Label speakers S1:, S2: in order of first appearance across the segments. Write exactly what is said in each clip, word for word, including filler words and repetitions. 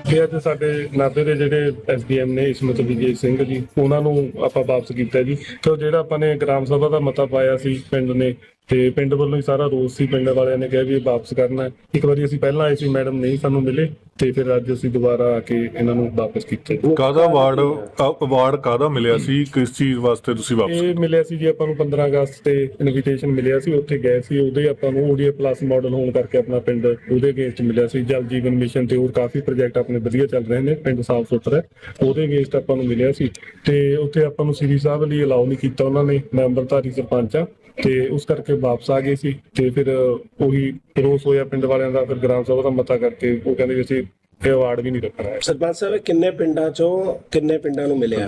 S1: ਤੇ ਅੱਜ ਸਾਡੇ ਨਾਭੇ ਦੇ ਜਿਹੜੇ ਐਸ ਡੀ ਐਮ ਨੇ ਇਸਮਤ ਵਿਜੇ ਸਿੰਘ ਜੀ, ਉਹਨਾਂ ਨੂੰ ਆਪਾਂ ਵਾਪਸ ਕੀਤਾ ਜੀ। ਤੇ ਜਿਹੜਾ ਆਪਾਂ ਨੇ ਗ੍ਰਾਮ ਸਭਾ ਦਾ ਮਤਾ ਪਾਇਆ ਸੀ ਪਿੰਡ ਨੇ, ਤੇ ਪਿੰਡ ਵੱਲੋਂ ਹੀ ਸਾਰਾ ਰੋਸ ਸੀ, ਪਿੰਡ ਵਾਲਿਆਂ ਨੇ ਕਿਹਾ ਵੀ ਇਹ ਵਾਪਸ ਕਰਨਾ। ਇੱਕ ਵਾਰੀ ਅਸੀਂ ਪਹਿਲਾਂ ਆਏ ਸੀ, ਮੈਡਮ ਨਹੀਂ ਸਾਨੂੰ ਮਿਲੇ, ਤੇ ਫਿਰ ਅੱਜ ਅਸੀਂ ਦੁਬਾਰਾ ਆ ਕੇ ਇਹਨਾਂ ਨੂੰ ਵਾਪਸ ਕੀਤਾ।
S2: ਕਾਹਦਾ ਅਵਾਰਡ ਅਵਾਰਡ ਕਾਹਦਾ ਮਿਲਿਆ ਸੀ, ਕਿਸ ਚੀਜ਼ ਵਾਸਤੇ ਤੁਸੀਂ ਵਾਪਸ?
S1: ਇਹ ਮਿਲਿਆ ਸੀ ਜੀ ਆਪਾਂ ਨੂੰ ਪੰਦਰਾਂ ਅਗਸਤ ਤੇ ਇਨਵੀਟੇਸ਼ਨ ਮਿਲਿਆ ਸੀ, ਉੱਥੇ ਗਏ ਸੀ, ਉਹਦੇ ਆਪਾਂ ਨੂੰ ਓਡੀਏ ਪਲੱਸ ਮਾਡਲ ਹੋਣ ਕਰਕੇ ਆਪਣਾ ਪਿੰਡ ਉਹਦੇ ਅਗੇਂਸਟ ਮਿਲਿਆ ਸੀ। ਜਲ ਜੀਵਨ ਮਿਸ਼ਨ ਤੇ ਹੋਰ ਕਾਫੀ ਪ੍ਰੋਜੈਕਟ ਆਪਣੇ ਵਧੀਆ ਚੱਲ ਰਹੇ ਨੇ, ਪਿੰਡ ਸਾਫ ਸੁਥਰਾ, ਉਹਦੇ ਅਗੇਂਸਟ ਆਪਾਂ ਨੂੰ ਮਿਲਿਆ ਸੀ। ਤੇ ਉੱਥੇ ਆਪਾਂ ਨੂੰ ਸ੍ਰੀ ਸਾਹਿਬ ਲਈ ਅਲਾਉ ਨਹੀਂ ਕੀਤਾ ਉਹਨਾਂ ਨੇ, ਮੈਂ ਅੰਮ੍ਰਿਤਧਾਰੀ ਸਰਪੰਚ ਆ, ਤੇ ਉਸ ਕਰਕੇ ਵਾਪਸ ਆ ਗਏ ਸੀ। ਤੇ ਫਿਰ ਉਹੀ ਰੋਸ ਹੋਇਆ ਪਿੰਡ ਵਾਲਿਆਂ ਦਾ, ਫਿਰ ਗ੍ਰਾਮ ਸਭਾ ਦਾ ਮਤਾ ਕਰਕੇ ਉਹ ਕਹਿੰਦੇ ਵੀ ਅਸੀਂ ਇਹ ਅਵਾਰਡ ਵੀ ਨਹੀਂ ਰੱਖਣਾ ਹੈ।
S3: ਸਰਪੰਚ ਸਾਹਿਬ ਕਿੰਨੇ ਪਿੰਡਾਂ ਚੋਂ ਕਿੰਨੇ ਪਿੰਡਾਂ ਨੂੰ ਮਿਲਿਆ?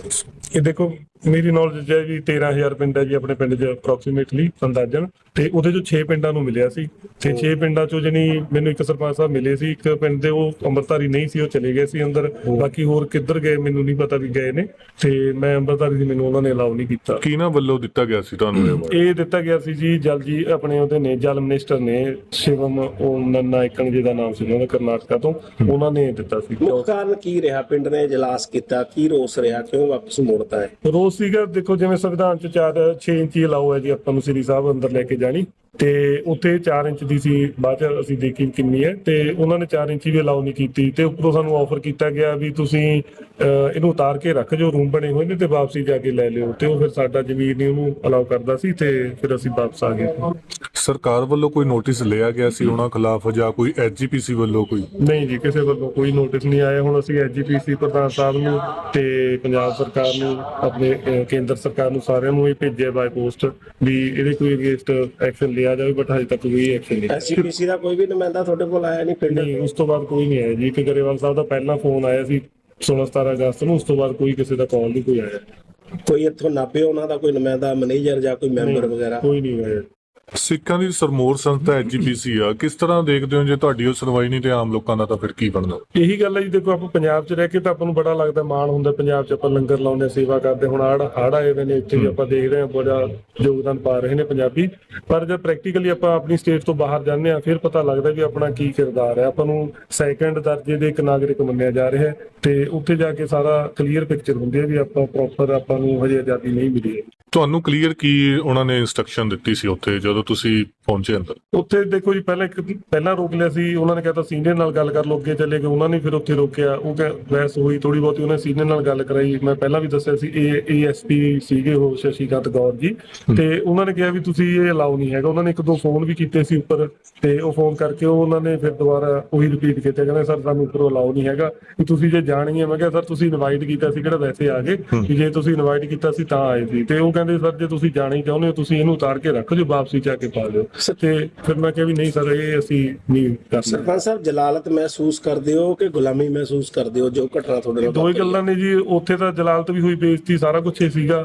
S1: ਇਹ ਦੇਖੋ ਮੇਰੀ ਨੌਲੇਜ ਹੈ ਜੀ ਤੇਰਾਂ ਹਜ਼ਾਰ ਪਿੰਡ ਹੈ ਜੀ ਆਪਣੇ ਪਿੰਡ 'ਚ ਅਪਰੋਕਸੀਮੇਟਲੀ ਅੰਦਾਜ਼ਨ, ਤੇ ਉਹਦੇ ਚੋਂ ਛੇ ਪਿੰਡਾਂ ਨੂੰ ਮਿਲਿਆ ਸੀ। ਤੇ ਛੇ ਪਿੰਡਾਂ ਚੋਂ ਜਾਣੀ ਮੈਨੂੰ ਇੱਕ ਸਰਪੰਚ ਸਾਹਿਬ ਮਿਲੇ ਸੀ, ਇੱਕ ਪਿੰਡ ਦੇ ਉਹ ਅੰਮ੍ਰਿਤਧਾਰੀ ਨਹੀਂ ਸੀ, ਉਹ ਚਲੇ ਗਏ ਸੀ ਅੰਦਰ, ਬਾਕੀ ਹੋਰ ਕਿੱਧਰ ਗਏ ਮੈਨੂੰ ਨਹੀਂ ਪਤਾ ਵੀ ਗਏ ਨੇ। ਤੇ ਮੈਂ ਅੰਮ੍ਰਿਤਧਾਰੀ ਸੀ, ਮੈਨੂੰ ਉਹਨਾਂ ਨੇ ਅਲਾਉ ਨਹੀਂ ਕੀਤਾ।
S2: ਕਿਹਨਾਂ ਵੱਲੋਂ ਦਿੱਤਾ ਗਿਆ ਸੀ ਤੁਹਾਨੂੰ?
S1: ਇਹ ਦਿੱਤਾ ਗਿਆ ਸੀ ਜੀ ਜਲ ਜੀ ਆਪਣੇ ਉਹਦੇ ਨੇ ਜਲ ਮਿਨਿਸਟਰ ਨੇ ਸ਼ਿਵਮ ਓਮ ਨਾਇਕਨ ਜੀ ਦਾ ਨਾਮ ਸੀ ਉਹਨਾਂ ਦਾ, ਕਰਨਾਟਕਾ ਤੋਂ, ਉਹਨਾਂ ਨੇ ਦਿੱਤਾ ਸੀ।
S3: ਮੁੱਖ ਕਾਰਨ ਕੀ ਰਿਹਾ? ਪਿੰਡ ਨੇ ਇਜਲਾਸ ਕੀਤਾ, ਕੀ ਰੋਸ ਰਿਹਾ, ਕਿਉਂ ਵਾਪਸ ਮੋੜਤਾ ਹੈ?
S1: ਰੋਸ ਸੀਗਾ ਦੇਖੋ ਜਿਵੇਂ ਸੰਵਿਧਾਨ ਚ ਚਾਰ ਛੇ ਇੰਚੀ ਅਲਾਓ ਹੈ ਜੀ ਆਪਾਂ ਨੂੰ ਸ੍ਰੀ ਸਾਹਿਬ ਅੰਦਰ ਲੈ ਕੇ ਜਾਣੀ, ਤੇ ਉੱਥੇ ਚਾਰ ਇੰਚ ਦੀ ਸੀ, ਬਾਅਦ ਚ ਅਸੀਂ ਦੇਖੀ ਕਿੰਨੀ ਹੈ, ਤੇ ਉਹਨਾਂ ਨੇ ਚਾਰ ਇੰਚੀ ਵੀ ਅਲਾਓ ਨਹੀਂ ਕੀਤੀ। ਤੇ ਉੱਪਰੋਂ ਸਾਨੂੰ ਆਫਰ ਕੀਤਾ ਗਿਆ ਵੀ ਤੁਸੀਂ ਇਹਨੂੰ ਉਤਾਰ ਕੇ ਰੱਖ ਜੋ, ਰੂਮ ਬਣੇ ਹੋਏ ਨੇ, ਤੇ ਵਾਪਸੀ ਜਾ ਕੇ ਲੈ ਲਿਓ। ਤੇ ਉਹ ਫਿਰ ਸਾਡਾ ਜ਼ਮੀਰ ਨਹੀਂ ਉਹਨੂੰ ਅਲਾਓ ਕਰਦਾ ਸੀ, ਤੇ ਫਿਰ ਅਸੀਂ ਵਾਪਸ ਆ ਗਏ।
S2: ਸਰਕਾਰ ਵੱਲੋਂ ਕੋਈ ਨੋਟਿਸ ਲਿਆ ਗਿਆ ਸੀ ਉਹਨਾਂ ਖਿਲਾਫ, ਜਾਂ ਕੋਈ ਐਸ ਜੀ ਪੀ ਸੀ ਵੱਲੋਂ ਕੋਈ?
S1: ਨਹੀਂ ਜੀ, ਕਿਸੇ ਵੱਲੋਂ ਕੋਈ ਨੋਟਿਸ ਨਹੀਂ ਆਇਆ। ਹੁਣ ਅਸੀਂ ਐਸ ਜੀ ਪੀ ਸੀ ਪ੍ਰਧਾਨ ਸਾਹਿਬ ਨੂੰ ਤੇ ਪੰਜਾਬ ਸਰਕਾਰ ਨੂੰ, ਆਪਣੇ ਕੇਂਦਰ ਸਰਕਾਰ ਨੂੰ, ਸਾਰਿਆਂ ਨੂੰ ਇਹ ਭੇਜਿਆ ਬਾਈ ਪੋਸਟ ਵੀ ਇਹਦੇ ਕੋਈ ਅਗੇਂਸਟ ਐਕਸ਼ਨ ਲਿਆ ਜਾਵੇ, ਬਟ ਹਜੇ ਤੱਕ ਕੋਈ ਐਕਸ਼ਨ ਨਹੀਂ।
S3: ਐਸ ਜੀ ਪੀ ਸੀ ਦਾ ਕੋਈ ਵੀ ਨੁਮਾਇੰਦਾ ਤੁਹਾਡੇ ਕੋਲ ਆਇਆ ਨਹੀਂ ਪਿੰਡ?
S1: ਨਹੀਂ, ਉਸ ਤੋਂ ਬਾਅਦ ਕੋਈ ਨਹੀਂ ਆਇਆ ਜੀ। ਇੱਕ ਗਰੇਵਾਲ ਸਾਹਿਬ ਦਾ ਪਹਿਲਾਂ ਫੋਨ ਆਇਆ ਸੀ ਸੋਲਾਂ ਸਤਾਰਾਂ ਅਗਸਤ ਨੂੰ, ਉਸ ਤੋਂ ਬਾਅਦ ਕੋਈ ਕਿਸੇ ਦਾ ਕਾਲ ਨਹੀਂ ਕੋਈ ਆਇਆ।
S3: ਕੋਈ ਇੱਥੋਂ ਨਾਭੇ ਉਹਨਾਂ ਦਾ ਕੋਈ ਨੁਮਾਇੰਦਾ, ਮੈਨੇਜਰ ਜਾਂ ਕੋਈ ਮੈਂਬਰ ਵਗੈਰਾ?
S1: ਕੋਈ ਨਹੀਂ ਆਇਆ।
S2: ਸਿੱਖਾਂ ਦੀ ਸਰਮੋਰ ਸੰਸਥਾ ਐਸ ਜੀ ਪੀ ਸੀ ਆ, ਕਿਸ ਤਰ੍ਹਾਂ ਦੇਖਦੇ ਹੋ ਜੇ ਤੁਹਾਡੀ ਉਹ ਸੁਣਵਾਈ ਨਹੀਂ ਤੇ ਆਮ ਲੋਕਾਂ ਦਾ ਤਾਂ ਫਿਰ ਕੀ ਬਣਦਾ?
S1: ਇਹੀ ਗੱਲ ਹੈ ਜੀ, ਦੇਖੋ ਆਪਾਂ ਪੰਜਾਬ 'ਚ ਰਹਿ ਕੇ ਤਾਂ ਆਪਾਂ ਨੂੰ ਬੜਾ ਲੱਗਦਾ, ਮਾਣ ਹੁੰਦਾ ਪੰਜਾਬ 'ਚ, ਆਪਾਂ ਲੰਗਰ ਲਾਉਂਦੇ, ਸੇਵਾ ਕਰਦੇ। ਹੁਣ ਹੜ ਹੜ ਆਏ ਹੋਏ ਨੇ, ਇੱਥੇ ਵੀ ਆਪਾਂ ਦੇਖ ਰਹੇ ਹਾਂ ਬੜਾ ਯੋਗਦਾਨ ਪਾ ਰਹੇ ਨੇ ਪੰਜਾਬੀ। ਪਰ ਜਦ ਪ੍ਰੈਕਟੀਕਲੀ ਆਪਾਂ ਆਪਣੀ ਸਟੇਟ ਤੋਂ ਬਾਹਰ ਜਾਂਦੇ ਹਾਂ, ਫਿਰ ਪਤਾ ਲੱਗਦਾ ਵੀ ਆਪਣਾ ਕੀ ਕਿਰਦਾਰ ਹੈ। ਆਪਾਂ ਨੂੰ ਸੈਕੰਡ ਦਰਜੇ ਦੇ ਇੱਕ ਨਾਗਰਿਕ ਮੰਨਿਆ ਜਾ ਰਿਹਾ ਹੈ, ਤੇ ਉੱਥੇ ਜਾ ਕੇ ਸਾਰਾ ਕਲੀਅਰ ਪਿਕਚਰ ਹੁੰਦੀ ਹੈ ਵੀ ਆਪਾਂ ਪ੍ਰੋਪਰ ਆਪਾਂ ਨੂੰ ਹਜੇ ਆਜ਼ਾਦੀ ਨਹੀਂ ਮਿਲੀ ਹੈ।
S2: ਤੁਹਾਨੂੰ ਕਲੀਅਰ ਕੀ ਉਹਨਾਂ ਨੇ ਇੰਸਟਰਕਸ਼ਨ ਦਿੱਤੀ ਸੀ ਉੱਥੇ ਜਦੋਂ ਤੁਸੀਂ ਪਹੁੰਚੇ ਅੰਦਰ?
S1: ਉੱਥੇ ਦੇਖੋ ਜੀ, ਪਹਿਲਾਂ ਇੱਕ ਪਹਿਲਾਂ ਰੋਕ ਲਿਆ ਸੀ ਉਹਨਾਂ ਨੇ, ਕਹਿੰਦਾ ਸੀਨੀਅਰ ਨਾਲ ਗੱਲ ਕਰ ਲਓ, ਅੱਗੇ ਚਲੇ ਗਏ ਉਹਨਾਂ ਨੇ, ਫਿਰ ਉੱਥੇ ਰੋਕਿਆ। ਉਹ ਕਹਿ ਬਹਿਸ ਹੋਈ ਥੋੜੀ ਬਹੁਤੀ, ਉਹਨੇ ਸੀਨੀਅਰ ਨਾਲ ਗੱਲ ਕਰਾਈ। ਮੈਂ ਪਹਿਲਾਂ ਵੀ ਦੱਸਿਆ ਸੀ ਏ ਐਸ ਪੀ ਸੀਗੇ ਉਹ ਸ਼ਸ਼ੀਕਾਂਤ ਗੌਰ ਜੀ, ਤੇ ਉਹਨਾਂ ਨੇ ਕਿਹਾ ਵੀ ਤੁਸੀਂ ਇਹ ਅਲਾਉ ਨਹੀਂ ਹੈਗਾ। ਉਹਨਾਂ ਨੇ ਇੱਕ ਦੋ ਫੋਨ ਵੀ ਕੀਤੇ ਸੀ ਉੱਪਰ, ਤੇ ਉਹ ਫੋਨ ਕਰਕੇ ਉਹ ਉਹਨਾਂ ਨੇ ਫਿਰ ਦੁਬਾਰਾ ਉਹੀ ਰਿਪੀਟ ਕੀਤਾ, ਕਹਿੰਦੇ ਸਰ ਸਾਨੂੰ ਉੱਪਰੋਂ ਅਲਾਉ ਨਹੀਂ ਹੈਗਾ, ਵੀ ਤੁਸੀਂ ਜੇ ਜਾਣੀ ਹੈ। ਮੈਂ ਕਿਹਾ ਸਰ ਤੁਸੀਂ ਇਨਵਾਈਟ ਕੀਤਾ ਸੀ, ਕਿਹੜਾ ਵੈਸੇ ਆ ਗਏ, ਵੀ ਜੇ ਤੁਸੀਂ ਇਨਵਾਈਟ ਕੀਤਾ ਸੀ ਤਾਂ ਆਏ ਸੀ। ਤੇ ਉਹ ਕਹਿੰਦੇ ਸਰ ਜੇ ਤੁਸੀਂ ਜਾਣਾ ਹੀ ਚਾਹੁੰਦੇ ਹੋ ਤੁਸੀਂ ਇਹਨੂੰ ਉਤਾਰ ਕੇ ਰੱਖ ਜੋ, ਵਾਪਸੀ ਜਾ ਕੇ ਪਾ ਦਿਓ। ਤੇ ਫਿਰ ਮੈਂ ਕਿਹਾ ਵੀ ਨਹੀਂ ਸਰ ਇਹ ਅਸੀਂ ਨਹੀਂ ਕਰ ਸਕਦੇ।
S3: ਸਰਪੰਚ ਸਾਹਿਬ ਜਲਾਲਤ ਮਹਿਸੂਸ ਕਰਦੇ ਹੋ ਕਿ ਗੁਲਾਮੀ ਮਹਿਸੂਸ ਕਰਦੇ ਹੋ ਜੋ ਘਟਨਾ ਤੁਹਾਡੇ ਨਾਲ?
S1: ਦੋ ਹੀ ਗੱਲਾਂ ਨੇ ਜੀ, ਉੱਥੇ ਤਾਂ ਜਲਾਲਤ ਵੀ ਹੋਈ, ਬੇਇੱਜ਼ਤੀ ਸਾਰਾ ਕੁਝ ਹੀ ਸੀਗਾ,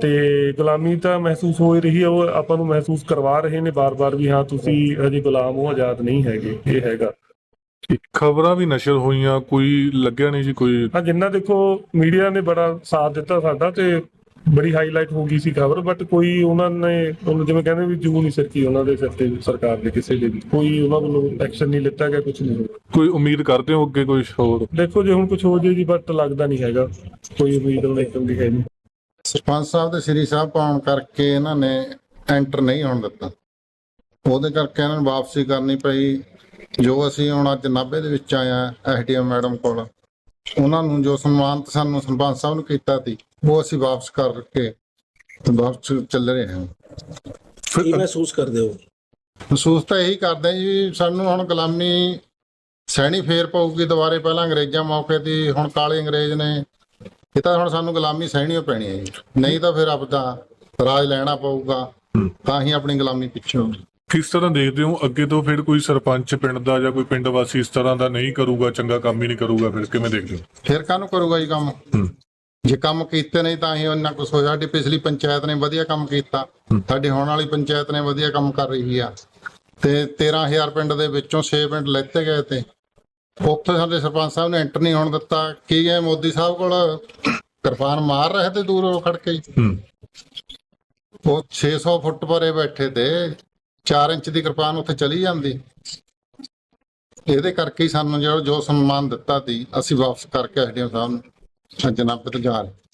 S1: ਤੇ ਗੁਲਾਮੀ ਤਾਂ ਮਹਿਸੂਸ ਹੋ ਹੀ ਰਹੀ ਹੈ। ਉਹ ਆਪਾਂ ਨੂੰ ਮਹਿਸੂਸ ਕਰਵਾ ਰਹੇ ਨੇ ਬਾਰ-ਬਾਰ ਵੀ ਹਾਂ ਤੁਸੀਂ ਹਜੇ ਗੁਲਾਮ ਹੋ, ਆਜ਼ਾਦ ਨਹੀਂ ਹੈਗੇ। ਇਹ ਹੈਗਾ।
S2: ਖਬਰਾਂ ਵੀ ਨਸ਼ਰ ਹੋਈਆਂ, ਕੋਈ ਲੱਗਿਆ ਨਹੀਂ ਜੀ ਕੋਈ?
S1: ਹਾਂ, ਜਿੰਨਾ ਦੇਖੋ ਮੀਡੀਆ ਨੇ ਬੜਾ ਸਾਥ ਦਿੱਤਾ ਸਾਡਾ, ਤੇ ਬੜੀ ਹਾਈਲਾਈਟ ਹੋ ਗਈ ਸੀ ਖਬਰ, ਬਟ ਕੋਈ ਉਹਨਾਂ ਨੇ ਉਹਨੂੰ ਜਿਵੇਂ ਕਹਿੰਦੇ ਵੀ ਜੂ ਨਹੀਂ ਸਰਕੀ ਉਹਨਾਂ ਦੇ ਸਿਰ ਤੇ, ਸਰਕਾਰ ਦੇ ਕਿਸੇ ਦੇ ਵੀ ਕੋਈ ਉਹਨਾਂ ਵੱਲੋਂ ਐਕਸ਼ਨ ਨਹੀਂ ਲਿੱਤਾ ਗਿਆ, ਕੁਝ ਨਹੀਂ।
S2: ਕੋਈ ਉਮੀਦ ਕਰਦੇ ਹੋ ਅੱਗੇ ਕੁਝ ਹੋਰ?
S1: ਦੇਖੋ ਜੇ ਹੁਣ ਕੁਝ ਹੋ ਜੇ ਜੀ, ਬਟ ਲੱਗਦਾ ਨਹੀਂ ਹੈਗਾ ਕੋਈ ਉਮੀਦ ਹੁਣ ਇੱਕ ਦੀ ਹੈ ਨਹੀਂ।
S4: ਸਰਪੰਚ ਸਾਹਿਬ ਦੇ ਸ੍ਰੀ ਸਾਹਿਬ ਪਾਉਣ ਕਰਕੇ ਇਹਨਾਂ ਨੇ ਐਂਟਰ ਨਹੀਂ ਹੋਣ ਦਿੱਤਾ, ਉਹਦੇ ਕਰਕੇ ਇਹਨਾਂ ਨੂੰ ਵਾਪਸੀ ਕਰਨੀ ਪਈ। ਜੋ ਅਸੀਂ ਹੁਣ ਅੱਜ ਨਾਭੇ ਦੇ ਵਿੱਚ ਆਏ ਆ ਐਸ ਡੀ ਐਮ ਮੈਡਮ ਕੋਲ, ਉਹਨਾਂ ਨੂੰ ਜੋ ਸਨਮਾਨਿਤ ਸਾਨੂੰ ਸਰਪੰਚ ਸਾਹਿਬ ਨੂੰ ਕੀਤਾ ਸੀ ਉਹ ਅਸੀਂ ਵਾਪਸ ਕਰਕੇ ਵਾਪਸ ਚੱਲ ਰਹੇ ਹਾਂ।
S3: ਕੀ ਮਹਿਸੂਸ ਕਰਦੇ ਹੋ?
S4: ਮਹਿਸੂਸ ਤਾਂ ਇਹੀ ਕਰਦੇ ਜੀ, ਸਾਨੂੰ ਹੁਣ ਗੁਲਾਮੀ ਸਹਿਣੀ ਫੇਰ ਪਊਗੀ ਦੁਬਾਰੇ। ਪਹਿਲਾਂ ਅੰਗਰੇਜ਼ਾਂ ਮੌਕੇ ਦੀ, ਹੁਣ ਕਾਲੇ ਅੰਗਰੇਜ਼ ਨੇ, ਇਹ ਤਾਂ ਹੁਣ ਸਾਨੂੰ ਗੁਲਾਮੀ ਸਹਿਣੀ ਓ ਪੈਣੀ ਹੈ ਜੀ, ਨਹੀਂ ਤਾਂ ਫਿਰ ਆਪਦਾ ਰਾਜ ਲੈਣਾ ਪਊਗਾ, ਤਾਂ ਹੀ ਆਪਣੀ ਗੁਲਾਮੀ ਪਿੱਛੇ ਹੋਊਗੀ।
S2: ਕਿਸ ਤਰ੍ਹਾਂ ਦੇਖਦੇ ਹੋ ਅੱਗੇ ਤੋਂ ਫਿਰ ਕੋਈ ਸਰਪੰਚ ਪਿੰਡ ਦਾ ਜਾਂ ਕੋਈ ਪਿੰਡ ਵਾਸੀ ਇਸ ਤਰ੍ਹਾਂ ਦਾ ਨਹੀਂ ਕਰੂਗਾ, ਚੰਗਾ ਕੰਮ ਹੀ ਨਹੀਂ ਕਰੂਗਾ, ਫਿਰ ਕਿਵੇਂ ਦੇਖਦੇ ਹੋ?
S4: ਫਿਰ ਕਾਹਨੂੰ ਕਰੂਗਾ ਜੀ ਕੰਮ? ਜੇ ਕੰਮ ਕੀਤੇ ਨਹੀਂ ਤਾਂ ਹੀ ਇੰਨਾ ਕੁਛ ਹੋਇਆ। ਸਾਡੀ ਪਿਛਲੀ ਪੰਚਾਇਤ ਨੇ ਵਧੀਆ ਕੰਮ ਕੀਤਾ, ਸਾਡੀ ਹੋਣ ਵਾਲੀ ਪੰਚਾਇਤ ਨੇ ਵਧੀਆ ਕੰਮ ਕਰ ਰਹੀ ਆ, ਤੇ ਤੇਰਾਂ ਹਜ਼ਾਰ ਪਿੰਡ ਦੇ ਵਿੱਚੋਂ ਛੇ ਪਿੰਡ ਲੈਤੇ ਗਏ, ਤੇ ਉੱਥੇ ਸਾਡੇ ਸਰਪੰਚ ਸਾਹਿਬ ਨੇ ਐਂਟਰ ਨਹੀਂ ਹੋਣ ਦਿੱਤਾ। ਕੀ ਹੈ ਮੋਦੀ ਸਾਹਿਬ ਕੋਲ ਕਿਰਪਾਨ ਮਾਰ ਰਹੇ ਤੇ ਦੂਰੋਂ ਖੜ ਕੇ, ਉਹ ਛੇ ਸੌ ਫੁੱਟ ਪਰੇ ਬੈਠੇ ਤੇ ਚਾਰ ਇੰਚ ਦੀ ਕਿਰਪਾਨ ਉੱਥੇ ਚਲੀ ਜਾਂਦੀ। ਇਹਦੇ ਕਰਕੇ ਹੀ ਸਾਨੂੰ ਜਿਹੜਾ ਜੋ ਸਨਮਾਨ ਦਿੱਤਾ ਸੀ ਅਸੀਂ ਵਾਪਸ ਕਰਕੇ ਐਸਡੀਐਮ ਸਾਹਿਬ ਨੂੰ ਅੱਜ ਨਾਭੇ ਤੋਂ ਜਾ ਰਹੇ